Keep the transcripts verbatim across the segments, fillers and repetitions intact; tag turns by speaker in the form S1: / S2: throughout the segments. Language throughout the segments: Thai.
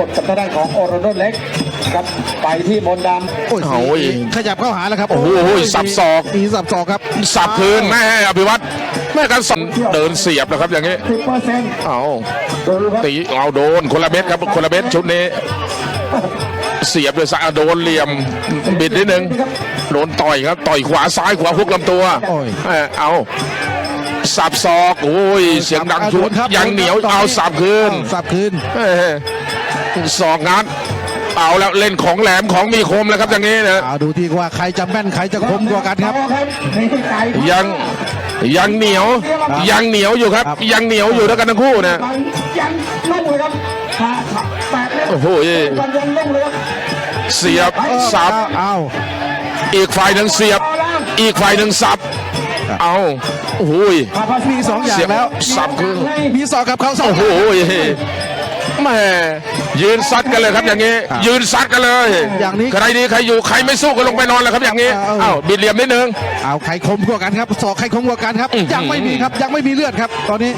S1: ดกับทางด้านของโอโรโนเล็กครับไปที่มนต์ดำ
S2: โอ้ย
S3: โอ้ย
S2: ขยับเข้าหาแล้วครับ
S3: โอ้โหสับศอก
S2: มีสับศอกครับ
S3: สับคืนแม่อภิวัตรแม่กันสอนเดินเสียบนะครับอย่างนี้
S1: สิบเปอร์เซ็นต์
S3: เอา
S1: ดูครับ
S3: ตีเอาโดนคนละเม็ดครับคนละเม็ดชุดนี้ เสียบด้วยสายโดนเหลี่ยมบิดนิดนึงโดนต่อยครับต่อยขวาซ้ายขวาฮุกลำตัว
S2: โอ้ย
S3: เอ้ยเอาสับศอกโอ้ยเสียงดังชุด
S2: ครับ
S3: ยังเหนียวเอาสับคืน
S2: สับคืน
S3: เอ้ยศอกงัดเอาแล้วเล่นของแหลมของมีคมแล้วครับอย่างนี้นะ
S2: เอาดูที่ว่าใครจะแม่นใครจะคมกว่ากันครับ
S1: นี่ไก่
S3: ยังยังเหนียวยังเหนียวอยู่ครับ
S2: ครับ
S3: ยังเหนียวอยู่ด้วยกันทั้งคู่นะ
S1: ยังนุ่มเลยครับขาแปดเมตร
S3: โอ้โห
S1: ยังนุ่มเลยครับ
S3: เสียบสับ
S2: เอา
S3: อีกฝ่ายหนึ่งเสียบ อีกฝ่ายหนึ่งสับ เอาโอ้โห
S2: มีสองอย่าง
S3: เสียบ
S2: แล้ว
S3: สับคือ
S2: มีศอกกับเขาสอง
S3: โอ้โหแม่ยืนซัดกันเลยครับอย่างนี้
S2: ครับ
S3: ยืนซัดกันเลย
S2: อย่างนี้
S3: ใครดีใครอยู่ใครไม่สู้ก็ลงไปนอนแล้วครับอย่างนี้
S2: เอา
S3: เอ้าบิดเหลี่ยมนิดนึง
S2: เอาใครคมกว่ากันครับศอกใครคมกว่ากันครับ
S3: อื้อหือ
S2: ยังไม่มีครับยังไม่มีเลือดครับ ตอนนี้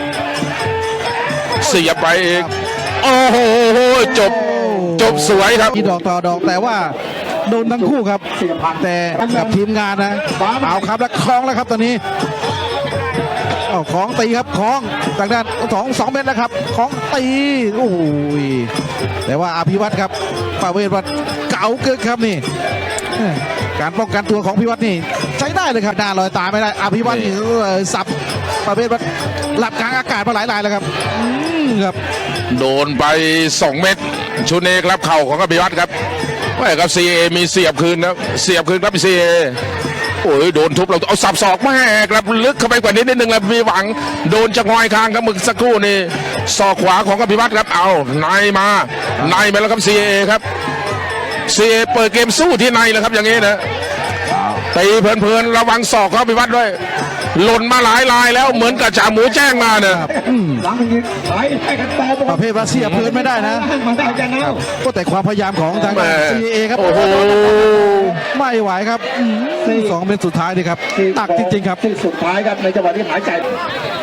S3: เสียบไปอีกโอ้โหจบจบสวยครับ
S2: มีดอกต่อดอกแต่ว่าโดนทั้งคู่ครับ แต่กับทีมงานนะเอาครับแล้วคล้องแล้วครับตอนนี้เอาของตีครับของจากด้านสองสองเมตรแล้วครับของตีโอ้ยแต่ว่าอภิวัตรครับประเวศว่าเก๋าเกินครับนี่การป้องกันตัวของอภิวัตรนี่ใช้ได้เลยครับหน้าลอยตาไม่ได้อภิวัตรนี่เอ่อสับประเภทว่าหลับกลางอากาศมาหลายรายแล้วครับอืมครับ
S3: โดนไปสองเม็ดชุดนี้ครับเข่าของอภิวัตรครับไม่ครับซีเอมีเสียบคืนนะเสียบคืนครับซีเอโอ้ยโดนทุบเราเอาสับศอกแม่ครับลึกเข้าไปกว่านี้นิดนึงแล้วมีหวังโดนจะงอยคางครับมึกสักครู่นี่ศอกขวาของอภิวัตรครับเอาในมาในมาแล้วครับซีเอครับซีเอเปิดเกมสู้ที่ในแล้วครับอย่างนี้นะตีเพลินๆระวังศอกเขาอภิวัตรด้วยหล่นมาหลายลายแล้วเหมือนกับจ่าหมูแจ้งมาเนี่ย
S1: หลังนี้ไหลให้กันต่อ
S2: ประเภทว่าเสียบพื้นไม่ได้นะ
S1: มันได้กันแล้ว
S2: ก็แต่ความพยายามของทาง
S3: แม่
S2: ซีเอครับ
S3: โอ้โห
S2: ไม่ไหวครับอืมสองเป็นสุดท้ายดีครับหนักจริงๆครับ
S1: ที่สุดท้ายครับในจังหวะที่หายใจ